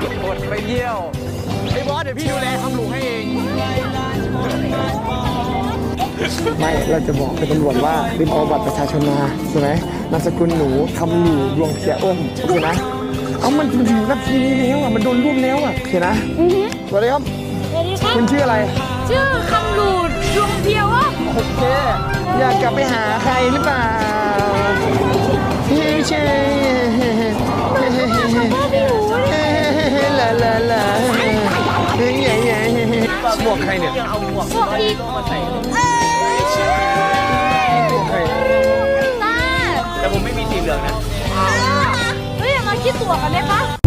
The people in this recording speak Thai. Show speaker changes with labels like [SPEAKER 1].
[SPEAKER 1] อดไปเยี่ยวไอ้บอสเดี๋ยวพี่ดูแลทำหลูให้เอง
[SPEAKER 2] ไม่เราจะบอกเป็นตำรวจว่าลืมเอาบัตรประชาชนมาใช่ไหมนามสกุลหนูทำหลู่ดวงเพียอ้มโอเคนะเอามันถึงนาทีนี้แล้วอ่ะมันโดนรวบแล้วอ่ะโอเคนะสวัสดีครับ
[SPEAKER 3] สวัสดีครับ
[SPEAKER 2] คุณชื่ออะไร
[SPEAKER 3] ชื่อคำหลูดดวงเพียวว่า
[SPEAKER 2] โอเคอยากกลับไปหาใครหรือเปล่าพี่เชย
[SPEAKER 3] ไม่รู้เลย
[SPEAKER 2] ลาลาลาเฮ้ยใหญ่ใหญ่หมวกใครเนี่ย
[SPEAKER 3] พวกอีกใช่
[SPEAKER 2] หมวกใคร
[SPEAKER 3] ตา
[SPEAKER 1] แต่ผมไม่มีสีเหลืองนะ
[SPEAKER 3] เฮ้ยมาคิดตัวกันได้ปะ